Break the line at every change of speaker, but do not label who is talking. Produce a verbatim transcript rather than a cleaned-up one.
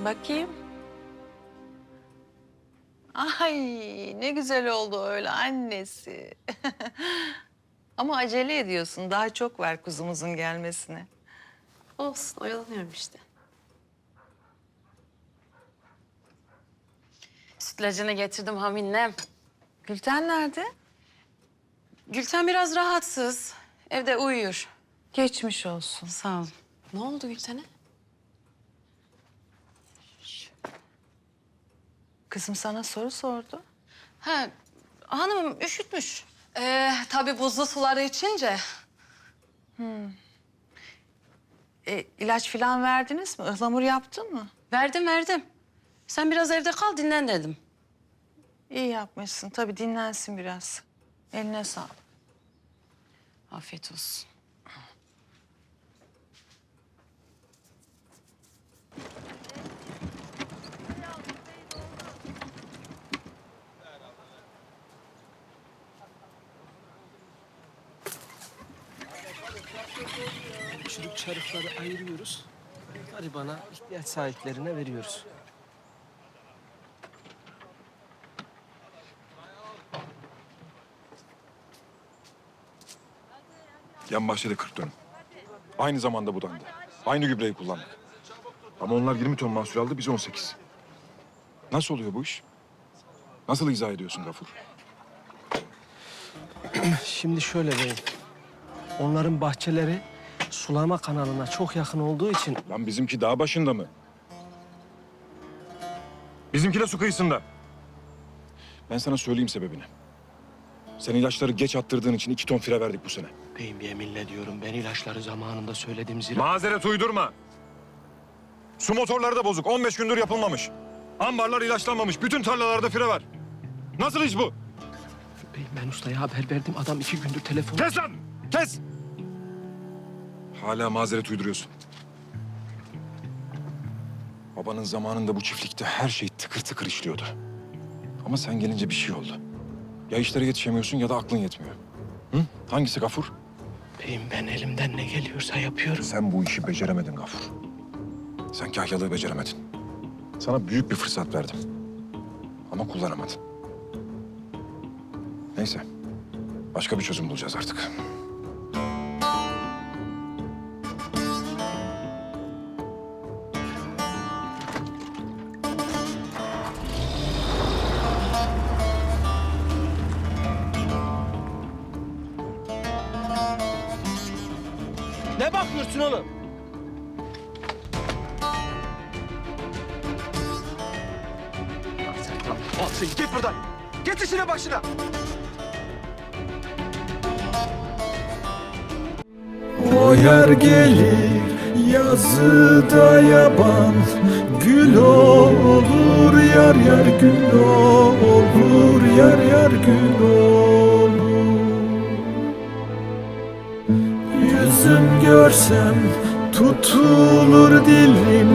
Bakayım. Ay ne güzel oldu öyle annesi. Ama acele ediyorsun. Daha çok var kuzumuzun gelmesine.
Olsun, oyalanıyorum işte. Sütlacını getirdim Haminem.
Gülten nerede?
Gülten biraz rahatsız. Evde uyuyor.
Geçmiş olsun.
Sağ ol. Ne oldu Gülten'e?
Kızım sana soru sordu.
Ha, hanımım üşütmüş. Ee, tabii buzlu suları içince.
E, ilaç falan verdiniz mi? Ihlamur yaptın mı?
Verdim verdim. Sen biraz evde kal dinlen dedim.
İyi yapmışsın. Tabii dinlensin biraz. Eline sağlık.
Afiyet olsun.
Çürük çarıkları ayırıyoruz. Garibana, ihtiyaç sahiplerine veriyoruz.
Yan bahçede kırk dönüm. Aynı zamanda budandı. Aynı gübreyi kullandık. Ama onlar yirmi ton mahsul aldı, biz on sekiz. Nasıl oluyor bu iş? Nasıl izah ediyorsun Gafur?
Şimdi şöyle beyim. Onların bahçeleri sulama kanalına çok yakın olduğu için
Lan bizimki dağ başında mı? Bizimki de su kıyısında. Ben sana söyleyeyim sebebini. Sen ilaçları geç attırdığın için iki ton fire verdik bu sene.
beyim yeminle diyorum ben ilaçları zamanında söyledim zira.
Mazeret uydurma. Su motorları da bozuk. on beş gündür yapılmamış. Ambarlar ilaçlanmamış. Bütün tarlalarda fire var. Nasıl iş bu?
Beyim ben ustaya haber verdim. Adam iki gündür telefon...
Kes lan! Kes! Hala mazeret uyduruyorsun. Babanın zamanında bu çiftlikte her şey tıkır tıkır işliyordu. Ama sen gelince bir şey oldu. Ya işlere yetişemiyorsun ya da aklın yetmiyor. Hı? Hangisi Gafur?
Beyim ben elimden ne geliyorsa yapıyorum.
Sen bu işi beceremedin Gafur. Sen kahyalığı beceremedin. Sana büyük bir fırsat verdim. Ama kullanamadın. Neyse. Başka bir çözüm bulacağız artık.
Ne bakıyorsun oğlum? Sen tamam. Al sen git buradan. Git işine başına.
O yer gelir yazıda yaban, gül olur yar yar gül olur yar yar gül olur. Yüzüm görsem tutulur dilim.